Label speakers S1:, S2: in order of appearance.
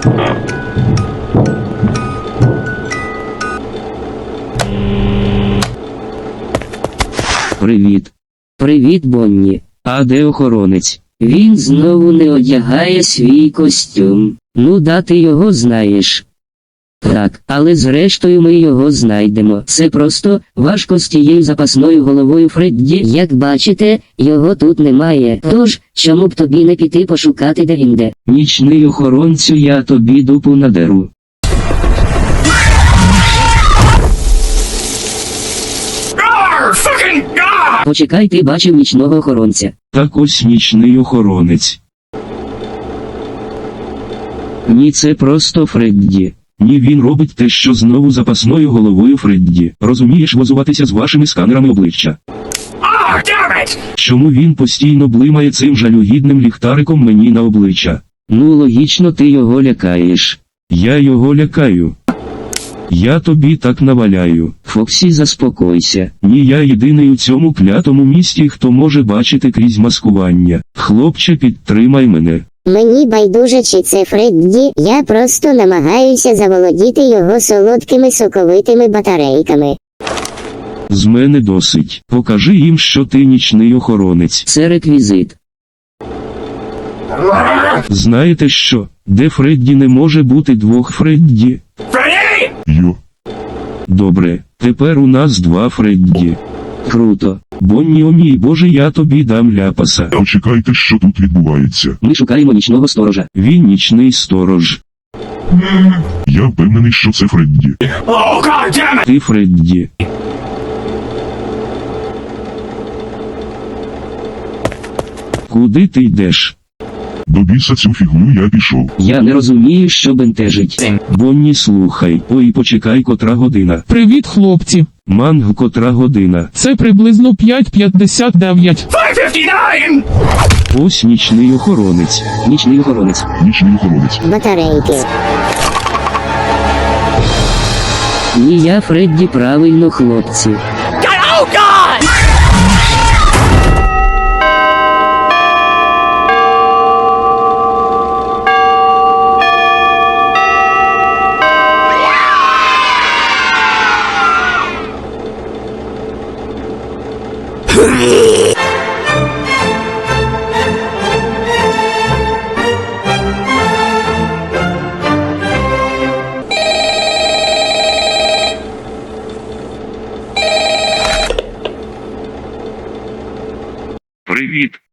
S1: Привіт. Привіт, Бонні. А де охоронець? Він знову не одягає свій костюм. Ну да, ти його знаєш. Так, але зрештою ми його знайдемо. Це просто важко з тією запасною головою Фредді. Як бачите, його тут немає. Тож, чому б тобі не піти пошукати, де він де? Нічний охоронцю, я тобі дупу надеру. Почекай, ти бачив нічного охоронця.
S2: Так ось нічний охоронець.
S1: Ні, це просто Фредді.
S2: Ні, він робить те, що знову запасною головою Фредді. Розумієш, возуватися з вашими сканерами обличчя. Чому він постійно блимає цим жалюгідним ліхтариком мені на обличчя?
S1: Ну логічно, ти його лякаєш.
S2: Я його лякаю. Я тобі так наваляю.
S1: Фоксі, заспокойся.
S2: Ні, я єдиний у цьому клятому місті, хто може бачити крізь маскування. Хлопче, підтримай мене.
S3: Мені байдуже, чи це Фредді, я просто намагаюся заволодіти його солодкими соковитими батарейками.
S2: З мене досить. Покажи їм, що ти нічний охоронець.
S1: Це реквізит.
S2: Знаєте що? Де Фредді не може бути двох Фредді? Йо. Добре, тепер у нас два Фредді.
S1: Круто.
S2: Бонні, о мій Боже, я тобі дам ляпаса.
S4: Почекайте, що тут відбувається.
S1: Ми шукаємо нічного сторожа.
S2: Він нічний сторож.
S4: Я впевнений, що це Фредді.
S2: Ти Фредді. Куди ти йдеш?
S4: До біса цю фігню я пішов.
S1: Я не розумію, що бентежить.
S2: Бонні, слухай. Ой, почекай, котра година.
S5: Привіт, хлопці.
S2: Манг, котра година.
S5: Це приблизно 5:59.
S2: Ось нічний охоронець.
S1: Нічний охоронець.
S4: Нічний охоронець.
S3: Батарейки.
S1: Ні, я Фредді, правильно, хлопці.
S2: Привіт.